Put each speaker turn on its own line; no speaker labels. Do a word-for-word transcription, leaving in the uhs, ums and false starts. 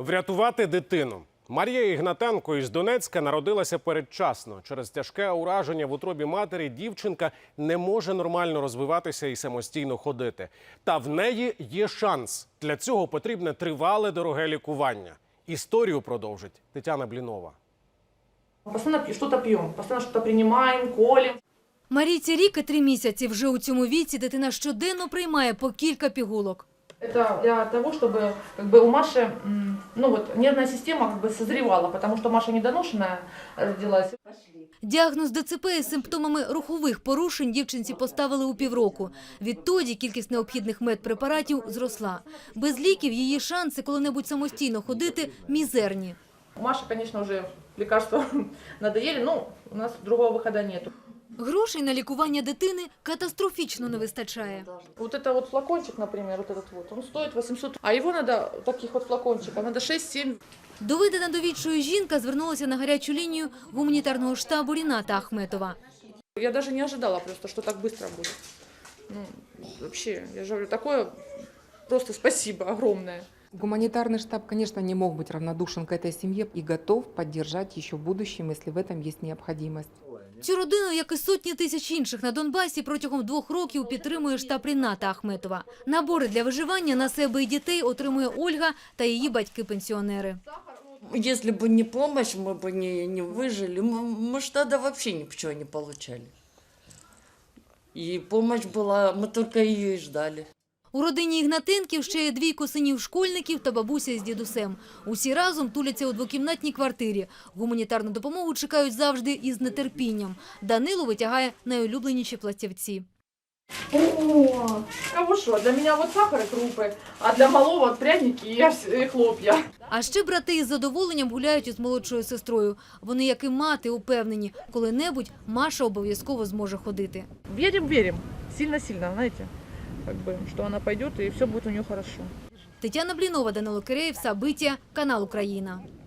Врятувати дитину. Марія Ігнатенко із Донецька народилася передчасно. Через тяжке ураження в утробі матері дівчинка не може нормально розвиватися і самостійно ходити. Та в неї є шанс. Для цього потрібне тривале дороге лікування. Історію продовжить Тетяна Блінова.
Постоянно щось п'ємо, постійно щось приймаємо, колємо.
Марійці рік і три місяці. Вже у цьому віці дитина щоденно приймає по кілька пігулок.
Это для того, чтобы как бы, у Маши ну, вот, нервная система как бы, созревала, потому что Маша недоношенная родилась.
Діагноз ДЦП із симптомами рухових порушень дівчинці поставили у півроку. Відтоді кількість необхідних медпрепаратів зросла. Без ліків її шанси коли-небудь самостійно ходити мізерні.
У Маши, конечно, уже лекарства надоели, но у нас другого выхода нету.
Грошей на лікування дитини катастрофічно не вистачає.
Вот это вот флакончик, например, вот этот вот, он стоит восемьсот, а его надо, таких вот флакончиков, надо шесть-семь.
Доведена до відчаю жінка звернулася на гарячу лінію гуманітарного штабу Ріната Ахметова.
Я даже не ожидала просто, что так быстро будет. Ну, вообще, я же говорю, такое просто спасибо огромное.
Гуманитарный штаб, конечно, не мог быть равнодушен к этой семье и готов поддержать еще в будущем, если в этом есть необходимость.
Цю родину, як і сотні тисяч інших на Донбасі, протягом двох років підтримує штаб Ріната Ахметова. Набори для виживання на себе і дітей отримує Ольга та її батьки-пенсіонери.
Если бы не помощь, мы бы не, не выжили. Мы, мы ж тогда вообще ничего не получали. И помощь была, мы только ее и ждали.
У родині Ігнатенків ще є двійко синів-школьників та бабуся із дідусем. Усі разом туляться у двокімнатній квартирі. Гуманітарну допомогу чекають завжди із нетерпінням. Данило витягає найулюбленіші пластівці.
О, а вот что, для меня вот сахар и крупы, а для малого вот пряники и хлопья.
А ще брати із задоволенням гуляють із молодшою сестрою. Вони, як і мати, упевнені, коли-небудь Маша обов'язково зможе ходити.
Верим, верим, сильно-сильно, знаете, как бы, что она пойдет и все будет у нее хорошо.
Тетяна Блінова, Данило Киреєв, Сабиття, канал Україна.